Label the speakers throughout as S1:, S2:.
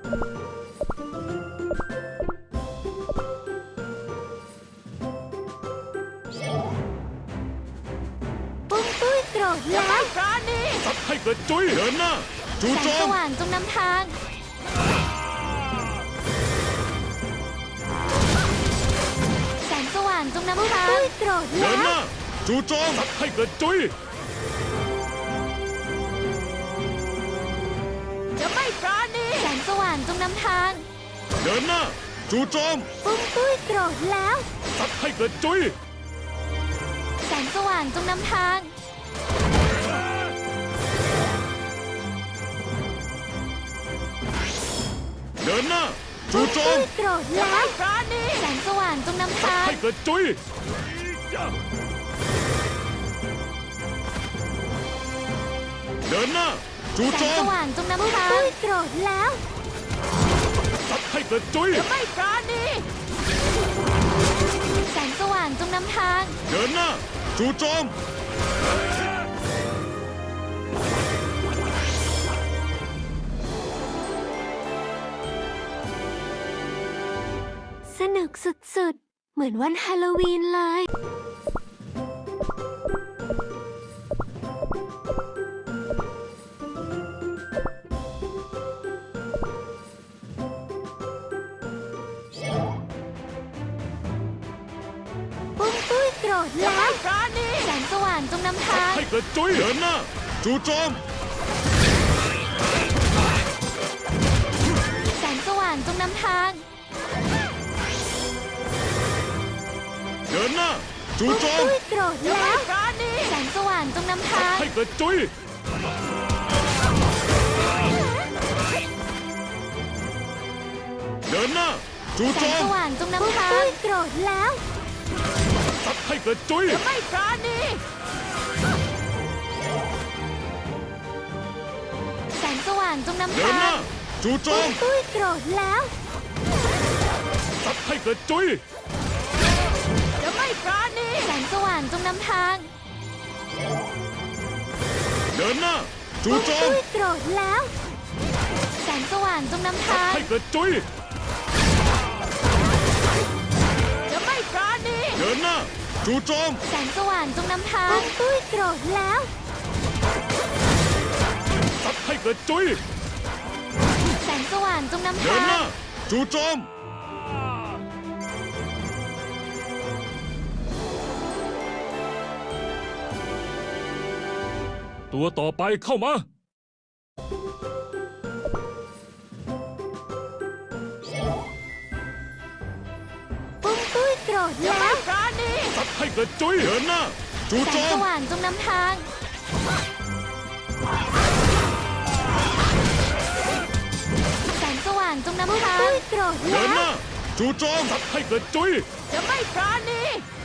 S1: ปุ้มตุ้ยโกรธแล้ว
S2: ซัดให้กระจุยเดินหน้าจู่
S1: แส
S2: โจ
S1: งส
S2: ม
S1: ว่างจงนำทาง แสงสว่างจงนำทาง ปุ้มตุ้ยโกรธ
S2: เดิ
S1: แล้
S2: นห
S1: ว
S2: น้าจู่โจมซัดให้กระจุย
S1: จะไม่ปราณีแสงสว่างจงนำทาง
S2: เดินหน้าจู่โจม
S1: ปุ้มตุ้ยโกรธแล้ว
S2: ซัดให้กระจุย
S1: แสงสว่างจงนำทาง
S2: เดินหน้าจู่โจ
S1: ปุ้
S2: ม
S1: มตุ้ยโกรธแล้ว แสงสว่างจงนำ
S2: ซัด
S1: ทาง
S2: ให้กระจุยเดินหน้าจู่
S1: แส
S2: โจ
S1: งส
S2: ม
S1: ว่างจงนำทาง ปุ้มตุ้ยโกรธแล้ว
S2: ซัดให้กระจุย
S1: ไม่ปราณีแสงสว่างจงนำทาง
S2: เดินหน้าจู่โจม
S1: สนุกสุดๆ เหมือนวันฮาโลวีนเลย ปุ้มตุ้ยโกรธแล้ว แสงสว่างจงนำ
S2: ซัด
S1: ทาง
S2: ให้กระจุยเดินหน้าจู่โจม
S1: แสงสว่างจงนำทาง
S2: เดินหน้าจู่
S1: ปุ้ม
S2: โจม
S1: ตุ้ยโกรธแล้ว แสงสว่างจงนำ
S2: ซัด
S1: ทาง
S2: ให้กระจุยเดินหน้าจู่
S1: แส
S2: โจ
S1: ง
S2: ม
S1: สว่างจงนำทาง ปุ้มตุ้ยโกรธแล้ว
S2: ซัดให้กระจุย
S1: ไม่ปราณีแสงสว่างจงนำ
S2: เดิน
S1: ทา
S2: หน้าง จู่โจ
S1: ปุ้
S2: ม
S1: มตุ้ยโกรธแล้ว
S2: ซัดให้กระจุย
S1: จะไม่ปราณีแสงสว่างจงนำทาง
S2: เดินหน้าจู่
S1: ปุ้ม
S2: โจม
S1: ตุ้ยโกรธแล้ว แสงสว่างจงนำ
S2: ซัด
S1: ทาง
S2: ให้กระจุย
S1: จะไม่ปราณี
S2: เดินหน้าจู่โจม
S1: แสงสว่างจงนำทาง ปุ้มตุ้ยโกรธแล้ว
S2: ซัดให้กระจุย
S1: แสงสว่างจงนำ
S2: เดิ
S1: ทาน
S2: หน้าง จู่โจม ตัวต่อไปเข้ามา
S1: ปุ้มตุ้ยโกรธแล้ว
S2: ซัดให้กระจุยเดินหน้าจู่
S1: แส
S2: โจ
S1: งส
S2: ม
S1: ว่างจงนำทาง แสงสว่างจงนำทาง ปุ้มตุ้ยโกรธ
S2: เดิ
S1: แล้
S2: นห
S1: ว
S2: น้าจู่โจมซัดให้กระจุย
S1: จะไม่ปราณี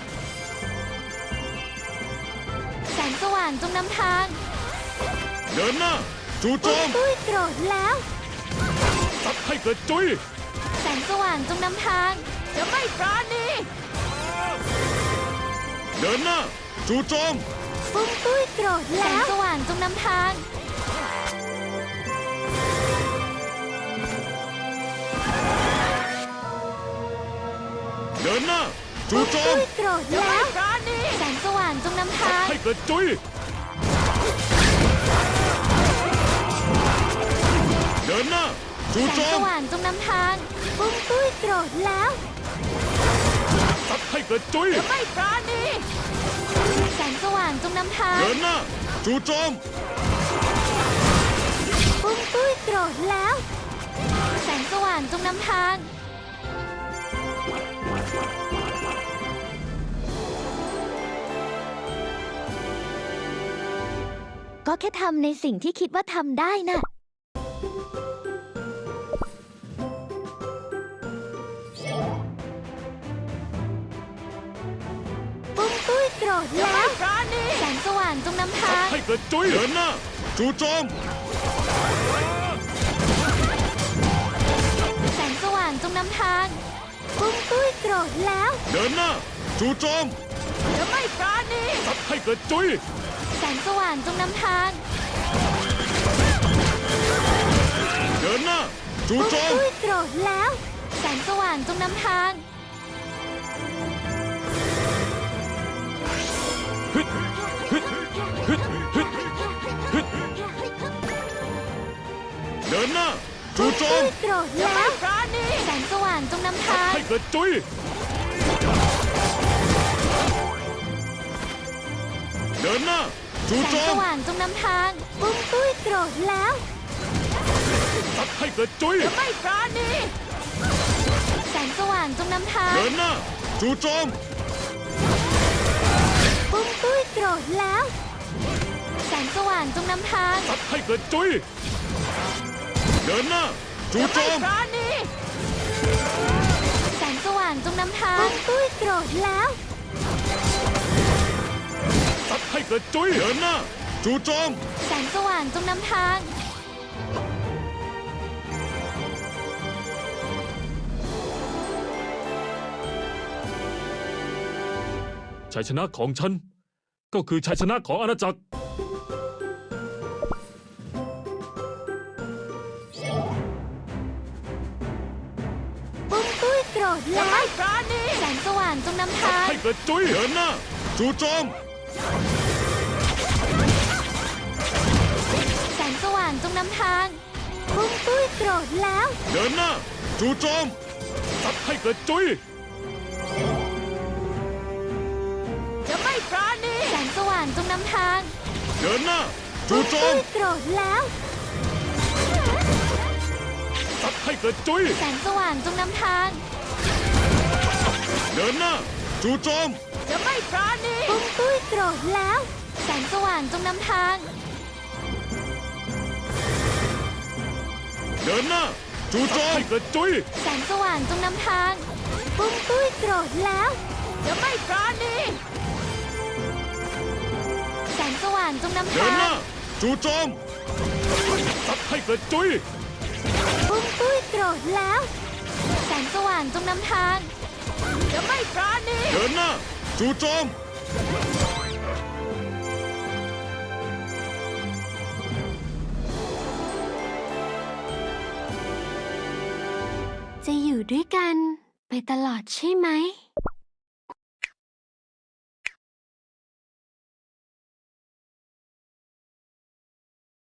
S1: แสงสว่างจงนำทาง
S2: เดินหน้าจู่โจ
S1: ปุ้ม
S2: ม
S1: ตุ้ยโกรธแล้ว
S2: ซัดให้กระจุย
S1: แสงสว่างจงนำทาง จะไม่ปราณี
S2: เดินหน้าจู่โจม
S1: ปุ้มตุ้ยโกรธแล้ว แสงสว่างจงนำทาง
S2: เดินหน้าจู่
S1: ปุ้ม
S2: โจม
S1: ตุ้ยโกรธแล้ว แสงสว่างจงนำ
S2: ซัด
S1: ทาง
S2: ให้กระจุย เดินหน้าจู่
S1: แส
S2: โจ
S1: งส
S2: ม
S1: ว่างจงนำทาง ปุ้มตุ้ยโกรธแล้ว
S2: ซัดให้กระจุย
S1: ไม่ปราณีแสงสว่างจงนำทาง
S2: เดินหน้าจู่โจม
S1: ปุ้มตุ้ยโกรธแล้ว แสงสว่างจงนำทาง ก็แค่ทำในสิ่งที่คิดว่าทำได้น่ะ ปุ้มตุ้ยโกรธแล้ว แสงสว่างจงนำ
S2: ซั
S1: ทา
S2: ด
S1: ง
S2: ให้กระจุย เดินหน้าจู่โจม
S1: แสงสว่างจงนำทาง ปุ้มตุ้ยโกรธแล้ว
S2: เดินหน้าจู่โจม
S1: จะไม่ปราณี
S2: ซัดให้กระจุย
S1: แสงสว่างจงนำทาง
S2: เดินหน้าจู่โจม
S1: ตุ้ยโกรธแล้ว แสงสว่างจงนำทาง
S2: เดินหน้า จู่โจ
S1: ตุ้
S2: ม
S1: ยโกรธแล้ว แสงสว่างจงนำทาง
S2: ให้เกิดจุยเดินหน้า จู่
S1: แส
S2: โจ
S1: งส
S2: ม
S1: ว่างจงนำทาง ปุ้มตุ้ยโกรธแล้ว
S2: ซัดให้เกิดจุย
S1: ไม่ปราณี แสงสว่างจงนำทาง
S2: เดินหน้า จู่โจม
S1: ปุ้มตุ้ยโกรธแล้ว แสงสว่างจงนำทาง
S2: ซัดให้เกิดจุยเดินหน้า จู่โจม
S1: แสงสว่างจงนำทาง ปุ้มตุ้ยโกรธแล้ว
S2: ซัดให้เกิดจุยเดินหน้า จู่โจม
S1: แสงสว่างจงนำทาง
S2: ชัยชนะของฉัน ก็คือชัยชนะของอาณาจักร
S1: ปุ้มตุ้ยโกรธแล้ว แสงสว่างจงนำทาง
S2: ให้เกิดจุยเดินหน้า จู่โจม
S1: แสงสว่างจงนำทาง ปุ้มตุ้ยโกรธแล้ว
S2: เดินหน้า จู่โจมซัดให้เกิดจุย
S1: จะไม่ปราณี แสงสว่างจงนำทาง
S2: เดินหน้า
S1: ปุ้
S2: จู่
S1: ม
S2: โจ
S1: ตุ้
S2: ม
S1: ยโกรธแล้ว
S2: ซัดให้เกิดจุย
S1: แสงสว่างจงนำทาง
S2: เดินหน้า จู่โจม
S1: จะไม่ปราณี ปุ้มตุ้ยโกรธแล้ว แสงสว่างจงนำทาง
S2: เดินหน้า จู่โจมให้เกิดจุย
S1: แสงสว่างจงนำทาง ปุ้มตุ้ยโกรธแล้ว จะไม่ปราณี แสงสว่างจงนำ
S2: เดิน
S1: ทา
S2: หน้าง จู่โจมซัดให้เกิดจุย
S1: ปุ้มตุ้ยโกรธแล้ว แสงสว่างจงนำทาง จะไม่ปราณี
S2: เดินหน้า จู่โจม
S1: จะอยู่ด้วยกันไปตลอดใช่ไหม